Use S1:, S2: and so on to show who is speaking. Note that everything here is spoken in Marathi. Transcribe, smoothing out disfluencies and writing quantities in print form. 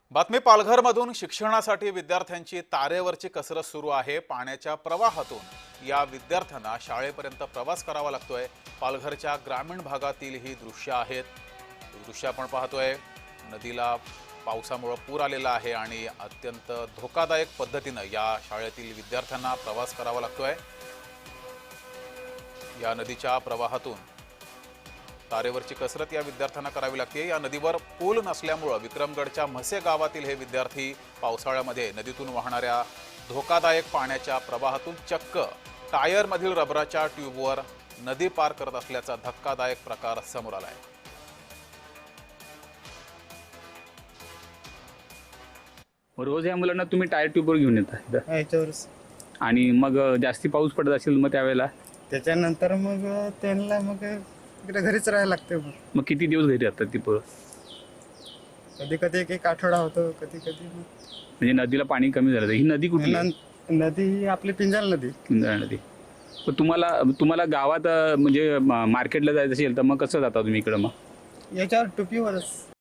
S1: बातमी पालघरमधून शिक्षणासाठी विद्यार्थ्यांची तारेवरची कसरत सुरू आहे। पाण्याच्या प्रवाहातून या विद्यार्थ्यांना शाळेपर्यंत प्रवास करावा लागतोय। पालघरच्या ग्रामीण भागातील ही दृश्य आहेत। दृश्य आपण पाहतोय, नदीला पावसामुळे पूर आलेला आहे आणि अत्यंत धोकादायक पद्धतीने या शाळेतील विद्यार्थ्यांना प्रवास करावा लागतोय। या नदीच्या प्रवाहातून तारेवरची कसरत या विद्यार्थ्यांना करावी लागते। या नदीवर पूल नसल्यामुळे विक्रमगडच्या म्हसे गावातील हे विद्यार्थी पावसाळ्यामध्ये नदीतून वाहणाऱ्या धोकादायक पाण्याच्या प्रवाहातून चक्क टायरमधील रबराच्या ट्यूबवर नदी पार करत असल्याचा धक्कादायक प्रकार समोर आलाय।
S2: रोज या मुलांना तुम्ही टायर ट्यूबवर घेऊन येता
S3: याच्यावरच
S2: आणि मग जास्ती पाऊस पडत असेल मग त्यावेळेला
S3: त्याच्यानंतर मग त्यांना मग इकडे घरीच राहायला लागते।
S2: मग किती दिवस घरी राहतात ती पोरं?
S3: कधी कधी एक आठवडा होतो, कधी कधी
S2: म्हणजे नदीला पाणी कमी झालं तर ही नदी कुठली आहे?
S3: नदी ही आपली पिंजाल नदी।
S2: इंद्रा नदी। पण तुम्हाला गावात म्हणजे मार्केटला जायचं असेल तर मग कसं जाता तुम्ही इकडं? मग
S3: याच्यावर टोपीवरच